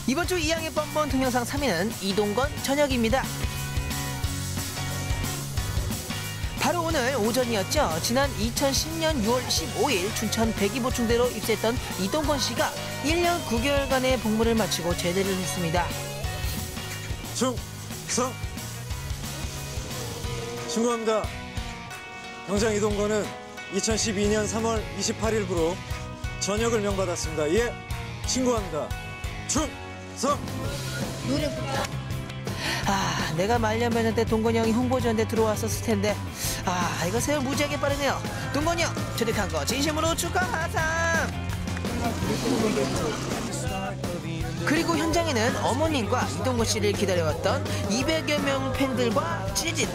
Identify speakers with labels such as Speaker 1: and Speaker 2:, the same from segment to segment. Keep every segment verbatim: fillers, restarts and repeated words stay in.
Speaker 1: 이번 주 이양의 뻔뻔 동영상 삼 위는 이동건 전역입니다. 바로 오늘 오전이었죠. 지난 이천십 년 유월 십오일 춘천 백이보충대로 입사했던 이동건 씨가 일 년 구 개월간의 복무를 마치고 제대를 했습니다.
Speaker 2: 충성! 신고합니다. 병장 이동건은 이천십이 년 삼월 이십팔일부로 전역을 명받았습니다. 예, 신고합니다. 충성!
Speaker 1: 아, 내가 말년면허 동건이 형이 홍보지원대 들어왔었을 텐데 아, 이거 세월 무지하게 빠르네요. 동건이 형 조직한 거 진심으로 축하하삼. 그리고 현장에는 어머님과 이동건 씨를 기다려왔던 이백여 명 팬들과 찌릿.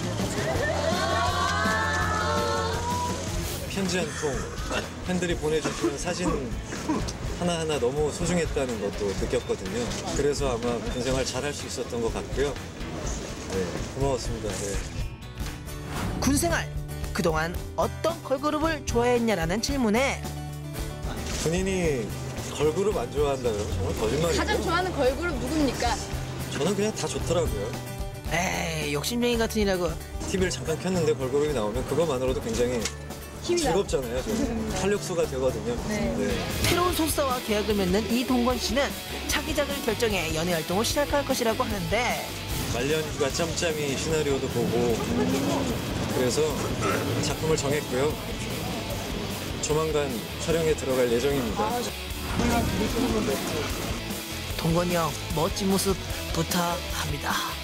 Speaker 2: 편지 한 통, 팬들이 보내주시는 사진 하나하나 너무 소중했다는 것도 느꼈거든요. 그래서 아마 군 생활 잘할 수 있었던 것 같고요. 네, 고마웠습니다. 네.
Speaker 1: 군생활, 그동안 어떤 걸그룹을 좋아했냐라는 질문에
Speaker 2: 군인이 걸그룹 안 좋아한다 그러면 정말 거짓말이죠.
Speaker 3: 가장 좋아하는 걸그룹 누굽니까?
Speaker 2: 저는 그냥 다 좋더라고요.
Speaker 1: 에이, 욕심쟁이 같으니라고.
Speaker 2: 티비를 잠깐 켰는데 걸그룹이 나오면 그것만으로도 굉장히 즐겁잖아요. 좀 활력소가 되거든요.
Speaker 3: 네.
Speaker 2: 네.
Speaker 1: 새로운 소속사와 계약을 맺는 이동건 씨는 차기작을 결정해 연애 활동을 시작할 것이라고 하는데
Speaker 2: 말년휴가 짬짬이 시나리오도 보고 그래서 작품을 정했고요. 조만간 촬영에 들어갈 예정입니다.
Speaker 1: 동건이 형 멋진 모습 부탁합니다.